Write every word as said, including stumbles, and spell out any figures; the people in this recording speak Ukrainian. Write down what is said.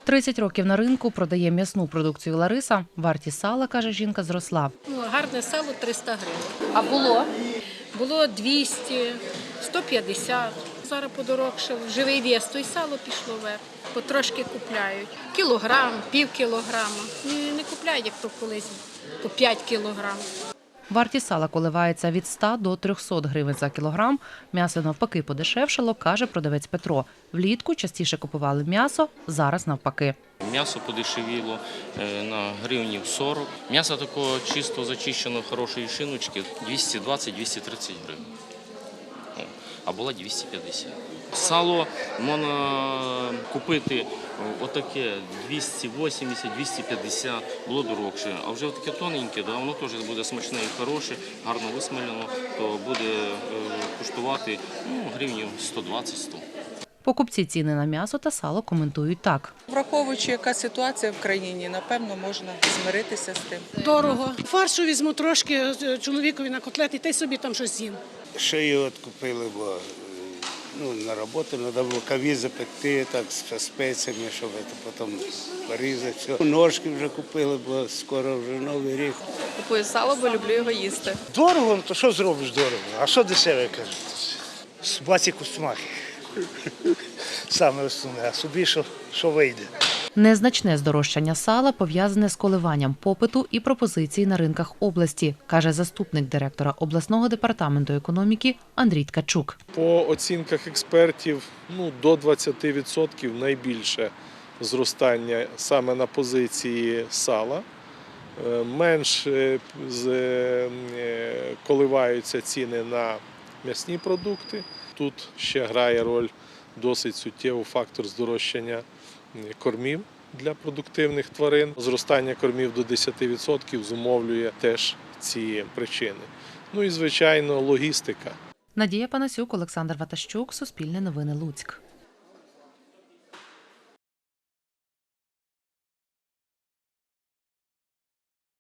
тридцять років на ринку, продає м'ясну продукцію Лариса. Вартість сала, каже жінка, зросла. Ну, гарне сало триста гривень. А було? Було двісті, сто п'ятдесят. Зараз подорожчав. Живий вес, то й сало пішло вверх. Потрошки купляють. Кілограм, пів кілограма. Не, не купляють, як то колись, по п'ять кілограм. Вартість сала коливається від ста до трьохсот гривень за кілограм. М'ясо навпаки подешевшало, каже продавець Петро. Влітку частіше купували м'ясо, зараз навпаки. М'ясо подешевіло на гривнів сорок. М'ясо такого чисто зачищеного, хорошої шиночки двісті двадцять - двісті тридцять гривень. А була двісті п'ятдесят. Сало можна купити отаке двісті вісімдесят - двісті п'ятдесят, було дорогше. А вже таке тоненьке, да, воно теж буде смачне і хороше, гарно висмалено, то буде коштувати ну, гривнів сто двадцять - сто. Покупці ціни на м'ясо та сало коментують так. Враховуючи, яка ситуація в країні, напевно, можна змиритися з тим. Дорого. Фаршу візьму трошки чоловікові на котлети, та й собі там щось з'їм. Шию от купили, бо ну, на роботу треба було каві запекти так, з спеціями, щоб це потім порізати. Все. Ножки вже купили, бо скоро вже Новий рік. Купую сало, бо люблю його їсти. Дорого, ну то що зробиш дорого? А що дешеве, кажуть? Собаці кустмахи. Саме основне, а собі що, що вийде. Незначне здорожчання сала пов'язане з коливанням попиту і пропозицій на ринках області, каже заступник директора обласного департаменту економіки Андрій Ткачук. По оцінках експертів, ну, до двадцяти відсотків найбільше зростання саме на позиції сала. Менш коливаються ціни на м'ясні продукти. Тут ще грає роль досить суттєвий фактор здорожчання кормів для продуктивних тварин. Зростання кормів до десяти відсотків зумовлює теж ці причини. Ну і, звичайно, логістика. Надія Панасюк, Олександр Ватащук, Суспільне новини, Луцьк.